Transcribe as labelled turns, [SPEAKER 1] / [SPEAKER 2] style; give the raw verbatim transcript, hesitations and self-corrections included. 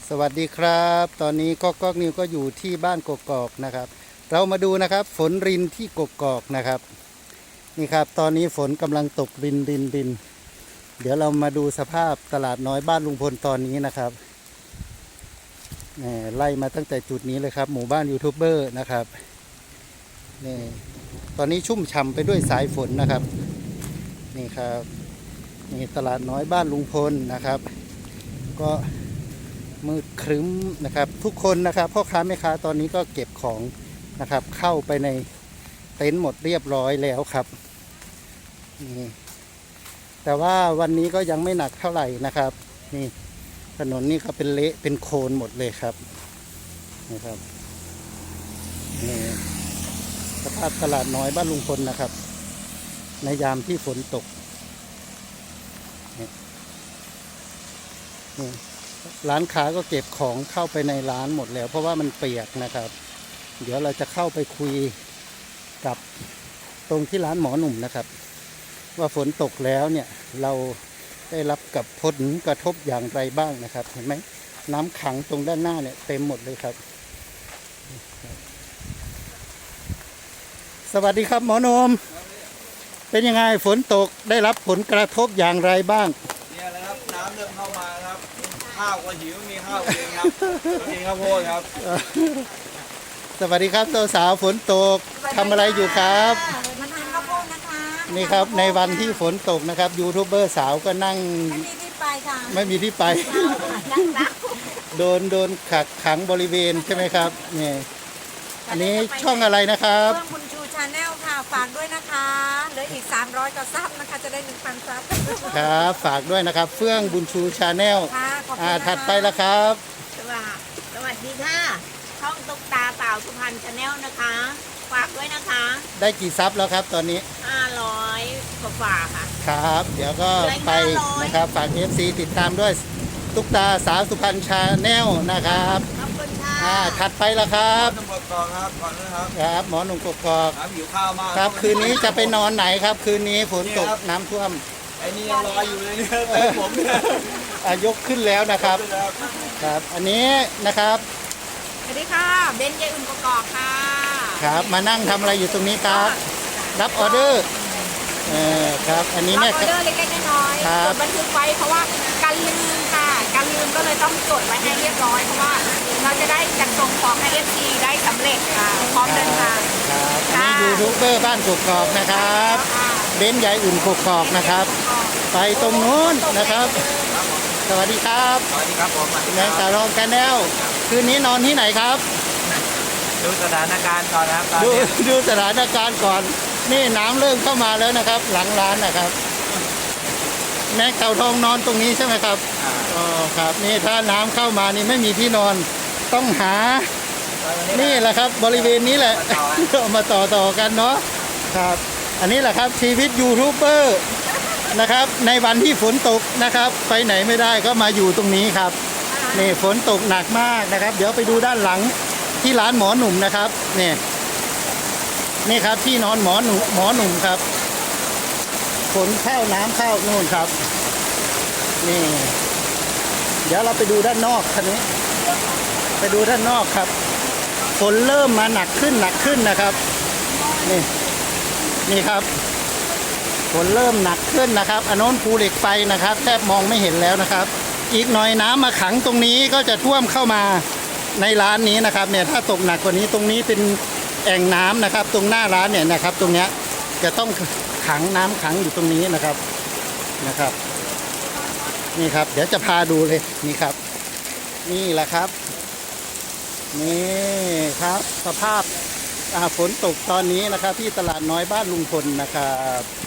[SPEAKER 1] สวัสดีครับตอนนี้ก็ก๊อกนิวก็อยู่ที่บ้านกกอกนะครับเรามาดูนะครับฝนรินที่กกอกนะครับนี่ครับตอนนี้ฝนกำลังตกรินรินรินเดี๋ยวเรามาดูสภาพตลาดน้อยบ้านลุงพลตอนนี้นะครับนี่ไล่มาตั้งแต่จุดนี้เลยครับหมู่บ้านยูทูบเบอร์นะครับนี่ตอนนี้ชุ่มฉ่ำไปด้วยสายฝนนะครับนี่ครับนี่ตลาดน้อยบ้านลุงพลนะครับก็มืดครึ้มนะครับทุกคนนะครับพ่อค้าแม่ค้าตอนนี้ก็เก็บของนะครับเข้าไปในเต็นท์หมดเรียบร้อยแล้วครับนี่แต่ว่าวันนี้ก็ยังไม่หนักเท่าไหร่นะครับนี่ถนนนี่ก็เป็นเละเป็นโคลนหมดเลยครับนี่ครับนี่สภาพตลาดน้อยบ้านลุงพลนะครับในยามที่ฝนตกนี่นี่ร้านค้าก็เก็บของเข้าไปในร้านหมดแล้วเพราะว่ามันเปียกนะครับเดี๋ยวเราจะเข้าไปคุยกับตรงที่ร้านหมอหนุ่มนะครับว่าฝนตกแล้วเนี่ยเราได้รับกับผลกระทบอย่างไรบ้างนะครับเห็นไหมน้ำขังตรงด้านหน้าเนี่ยเต็มหมดเลยครับสวัสดีครับหมอหนุ่มเป็นยังไงฝนตกได้รับผลกระทบอย่างไรบ้าง
[SPEAKER 2] เนี่ยแหละครับน้ำเริ่มเข้ามาครับข้าวก็หิวมีข้าวกินครับกินข้าวโพดครับ
[SPEAKER 1] สวัสดีครับตัวสาวฝนตกทำอะไรอยู่ครับ
[SPEAKER 3] มาทานข้าวโพดนะคะ
[SPEAKER 1] นี่ครับในวันที่ฝนตกนะครับยูทูบเบอร์สาวก็นั่ง
[SPEAKER 3] ไม่มีที่ไปค่ะ
[SPEAKER 1] ไม่มีที่ไปโดนโดนขักขังบริเวณใช่ไหมครับนี่อันนี้ช่องอะไรนะครับ
[SPEAKER 3] เพื่อนคุณชูชาแนลค่ะฝากด้วยนะคะเหลืออีกสามร้อยกว่าซับนะคะจะได้หนึ่งพันซับ
[SPEAKER 1] ครับฝากด้วยนะครับเฟื่องบุญชูชาแนลอ่าถัดไปแล้วครับ
[SPEAKER 4] สวัสดีสวัสดีค่ะช่องตุ๊กตาเต่าสุพรรณชาแนลนะคะฝากด้วยนะคะ
[SPEAKER 1] ได้กี่ซับแล้วครับตอนนี้
[SPEAKER 4] ห้าร้อยกว่าฝากค่ะ
[SPEAKER 1] ครับเดี๋ยวก็ไปนะครับฝาก เอฟ ซี ติดตามด้วยตุ๊กตาสาวสุพรรณชาแนลนะครับ
[SPEAKER 4] ขอบคุณค่ะ
[SPEAKER 1] อ่าถัดไปแล้วครับ
[SPEAKER 2] หมอหนุ่มกกอกครับก่อนนะครับ
[SPEAKER 1] ครับหมอหนุ่มกกอก
[SPEAKER 2] ครับหิวข้าวมาก
[SPEAKER 1] ครับคืนนี้จะไปนอนไหนครับคืนนี้ฝนตกน้ำท่วม
[SPEAKER 2] ไอ้นี่ยังรออยู่เลยเนี่ยผมเนี่ย
[SPEAKER 1] ยกขึ้นแล้วนะครับครับอันนี้นะครับ
[SPEAKER 4] สวัสดีค่ะเบนยายอุ่นกกอกค่ะ
[SPEAKER 1] ครับมานั่งทำอะไรอยู่ตรงนี้ครับรับออเดอร์เออครับอันนี้
[SPEAKER 4] รั
[SPEAKER 1] แม่
[SPEAKER 4] บออเดอร์เล็กๆน้อยๆจดบันทึกไว้เพราะว่าการลืมค่ะการลืมก็เลยต้องจดไว้ให้เรียบร้อยเพราะว่าเราจะได้จัดส่งของให้ เอฟ ซี ได้สำเร็จค่ะพร้อมเดินทาง
[SPEAKER 1] ครับอันนี้ยูทูบเบอร์บ้านกกอกนะครับเบนยายอุ่นกกอกนะครับไปตรงนู้นนะครับสวัสดีครับ
[SPEAKER 2] สวัสดีครับผม
[SPEAKER 1] แมงสารองกันแนวคืนนี้นอนที่ไหนครับ
[SPEAKER 2] ดูสถานการณ์ก่อนนะครับ
[SPEAKER 1] ดูดูสถานการณ์ก่อนนี่น้ำเริ่มเข้ามาแล้วนะครับหลังร้านนะครับแม่เต่าทองนอนตรงนี้ใช่ไหมครับอ๋อครับนี่ถ้าน้ำเข้ามานี่ไม่มีที่นอนต้องหานี่แหละครับบริเวณนี้แหละมาต่อต่อกันเนาะครับอันนี้แหละครับชีวิตยูทูบเบอร์นะครับในวันที่ฝนตกนะครับไปไหนไม่ได้ก็มาอยู่ตรงนี้ครับนี่ฝนตกหนักมากนะครับเดี๋ยวไปดูด้านหลังที่ร้านหมอหนุ่มนะครับนี่นี่ครับที่นอนหมอหนุ่มหมอหนุ่มครับฝนเข้าน้ำเข้านู่นครับนี่เดี๋ยวเราไปดูด้านนอกคันนี้ไปดูด้านนอกครับฝนเริ่มมาหนักขึ้นหนักขึ้นนะครับนี่นี่ครับฝนเริ่มหนักขึ้นนะครับอันโน้นภูเหล็กไฟนะครับแทบมองไม่เห็นแล้วนะครับอีกหน่อยน้ำมาขังตรงนี้ก็จะท่วมเข้ามาในร้านนี้นะครับเนี่ยถ้าตกหนักกว่านี้ตรงนี้เป็นแอ่งน้ำนะครับตรงหน้าร้านเนี่ยนะครับตรงเนี้ยจะต้องขังน้ำขังอยู่ตรงนี้นะครับนะครับนี่ครับเดี๋ยวจะพาดูเลยนี่ครับนี่แหละครับนี่ครับสภาพฝนตกตอนนี้นะครับที่ตลาดน้อยบ้านลุงพลนะครับ